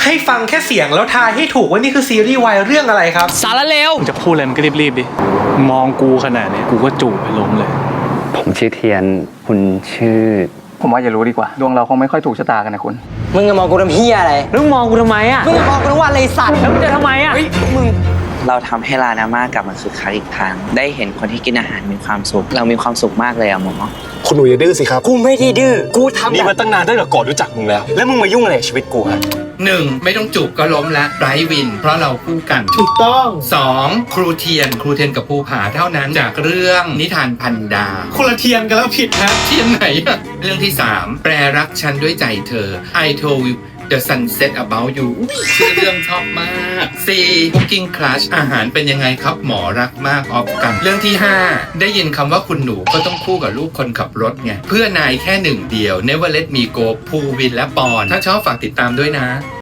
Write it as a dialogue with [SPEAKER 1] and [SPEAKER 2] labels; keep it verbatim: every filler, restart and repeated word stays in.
[SPEAKER 1] ให้ฟังแค่เสียงแล้วทายให้ถูกว่านี่คือซีรีส์วายเรื่องอะไรครับ
[SPEAKER 2] สารเลวจะพูดอะไรมันก็รีบๆดิมองกูขนาดนี้กูก็จูบไปล้มเลย
[SPEAKER 3] ผมชื่อเทียนคุณชื่อ
[SPEAKER 4] ผมว่าอย่ารู้ดีกว่าดวงเราคงไม่ค่อยถูกชะตากันนะคุณ
[SPEAKER 5] มึงจะมองกูทำเฮียอะไร
[SPEAKER 2] มึงมองกูทำไมอ่ะ
[SPEAKER 5] มึงจะมองกูทำว่าอะไรสัตว์
[SPEAKER 2] แล้วมึงจะทำไมอ่ะ
[SPEAKER 5] เฮ้ยมึง
[SPEAKER 6] เราทำให้ลานาม่ากลับมาคึกคักอีกครั้งได้เห็นคนที่กินอาหารมีความสุขเรามีความสุขมากเลยอะหมอ
[SPEAKER 7] คุณหนูอย่าดื้อสิครับ
[SPEAKER 5] กูไม่ได้ดื้อกูทำ
[SPEAKER 7] นี่มาตั้งนานตั้งแต่ก่อนรู้จักมึงแล้วแล้วมึงมายุ่งอะไรกับชีวิตกูฮะ
[SPEAKER 8] หนึ่งไม่ต้องจูบก็ล้มละไบรท์วินเพราะเราคู่กัน
[SPEAKER 1] ถูกต้อง
[SPEAKER 8] สองครูเทียนครูเทียนกับภูผาเท่านั้นจากเรื่องนิทานพันดาว
[SPEAKER 1] คนละเทียนกันแล้วผิดนะ
[SPEAKER 8] เทียนไหนอะเรื่องที่สามแปรรักฉันด้วยใจเธอ I told you The Sunset About You ชื่อเรื่องชอบมาก สี่ Cooking Crush อาหารเป็นยังไงครับหมอรักมากออฟกันเรื่องที่ห้าได้ยินคำว่าคุณหนูก็ต้องคู่กับลูกคนขับรถไงเพื่อนายแค่หนึ่งเดียว Never Let Me Go ภูวินและปอนถ้าชอบฝากติดตามด้วยนะ